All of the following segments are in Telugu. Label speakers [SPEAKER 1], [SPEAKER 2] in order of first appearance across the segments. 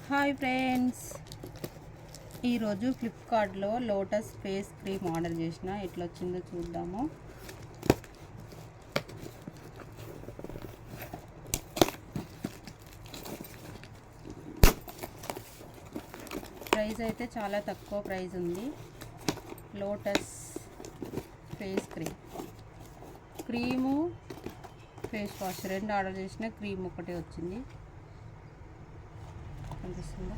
[SPEAKER 1] హాయ్ ఫ్రెండ్స్, ఈరోజు ఫ్లిప్కార్ట్లో లోటస్ ఫేస్ క్రీమ్ ఆర్డర్ చేసిన. ఎట్లా వచ్చిందో చూద్దాము. ప్రైస్ అయితే చాలా తక్కువ ప్రైస్ ఉంది. Lotus face cream face wash రెండు ఆర్డర్ చేసిన. క్రీమ్ ఒకటే వచ్చింది. కనిపిస్తుందా?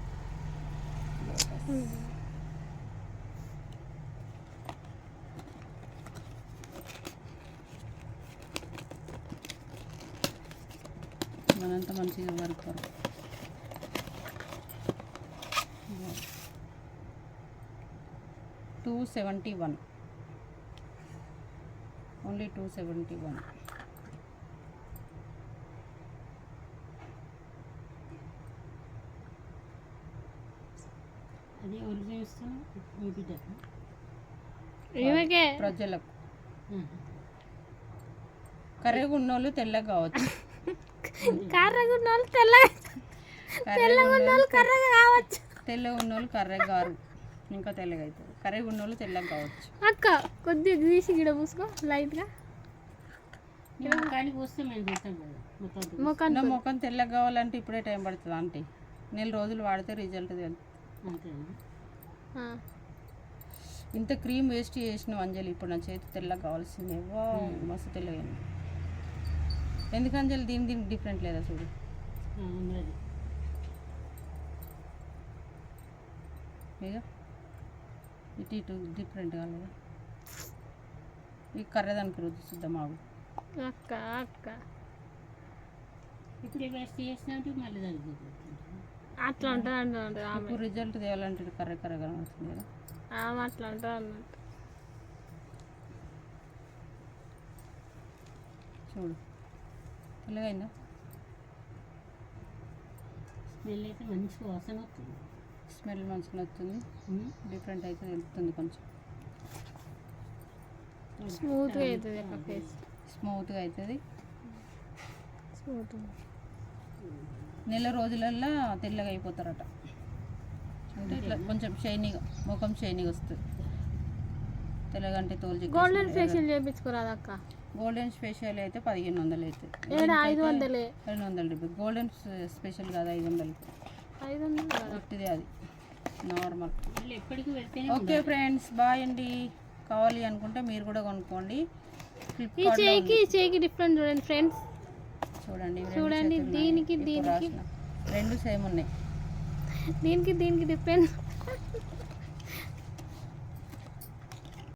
[SPEAKER 1] మనంతా మంచిగా వర్క్ $271, ఓన్లీ $271.
[SPEAKER 2] అది ఒరిజినల్ ఇస్తాను మీ బిడ్డకు
[SPEAKER 1] ప్రజలకు. కర్రెగా ఉన్నోళ్ళు తెల్లగా కావచ్చు,
[SPEAKER 3] కర్రగా ఉన్నోళ్ళు
[SPEAKER 1] కర్రెగా గారు ఇంకా తెల్లగా అవుతుంది. కర్రెగా ఉన్నోళ్ళు తెల్లగా కావచ్చు.
[SPEAKER 3] అక్క కొద్దిగా తీసి గిడ పూసుకో లైట్గా.
[SPEAKER 2] కానీ పోస్తే మేము చేస్తాం కదా
[SPEAKER 3] ముఖం
[SPEAKER 1] ముఖం తెల్లగా కావాలంటే ఇప్పుడే టైం పడుతుంది. అంటే నెల రోజులు వాడితే రిజల్ట్ తెలుస్తుంది.
[SPEAKER 2] అంతేనా?
[SPEAKER 1] ఇంత క్రీమ్ వేస్ట్ చేసిన అంజలి. ఇప్పుడు నా చేతి తెల్లగా కావాల్సిందే. మస్తు తెల్లగా. ఎందుకు అంజలి దీనికి డిఫరెంట్ లేదా చూడు.
[SPEAKER 2] ఉన్నది
[SPEAKER 1] ఇక ఇటు ఇటు డిఫరెంట్ కాలేదా? ఈ కర్రదానికి రుచి చూద్దాం. మాకు
[SPEAKER 3] అక్క అక్క
[SPEAKER 2] ఇప్పుడు వేస్ట్ చేసినట్టు మళ్ళీ దానికి
[SPEAKER 3] అట్లా ఉంటుంది అంటుంది ఆమె.
[SPEAKER 1] ఇప్పుడు రిజల్ట్ తేవాలంటే కర్ర కర్రగా అవుతుంది కదా.
[SPEAKER 3] ఆమె అట్లా ఉంటుంది అన్నట్టు.
[SPEAKER 1] చూడు తెల్లగా అయిందా?
[SPEAKER 2] స్మెల్ అయితే మంచి వాసన వస్తుంది.
[SPEAKER 1] స్మెల్ మంచిగా వస్తుంది. డిఫరెంట్ అయితే తెలుస్తుంది. కొంచెం
[SPEAKER 3] స్మూత్గా అవుతుంది అక్క ఫేస్.
[SPEAKER 1] స్మూత్గా అవుతుంది.
[SPEAKER 3] స్మూత్
[SPEAKER 1] నెల రోజులల్లో తెల్లగా అయిపోతారట. అంటే ఇట్లా కొంచెం షైనీగా, ముఖం షైనీగా వస్తుంది. తెల్లగా అంటే తోలు.
[SPEAKER 3] గోల్డెన్ ఫేషియల్ చేయించుకోరాదు అక్క.
[SPEAKER 1] గోల్డెన్ స్పెషల్ అయితే 1500 అవుతుంది.
[SPEAKER 3] 500
[SPEAKER 1] 200. గోల్డెన్ స్పెషల్ కాదు 500.
[SPEAKER 3] 500
[SPEAKER 1] ఒట్టిదే అది నార్మల్.
[SPEAKER 2] మళ్ళీ ఎప్పటికీ పెడితే
[SPEAKER 1] ఓకే ఫ్రెండ్స్, బాయ్ అండి. కావాలి అనుకుంటే మీరు కూడా కొనుక్కోండి.
[SPEAKER 3] ఈ చేయికి డిఫరెంట్ చూడండి ఫ్రెండ్స్.
[SPEAKER 1] చూడండి
[SPEAKER 3] దీనికి
[SPEAKER 1] రెండు సేమ్ ఉన్నాయి.
[SPEAKER 3] దీనికి డిఫరెంట్.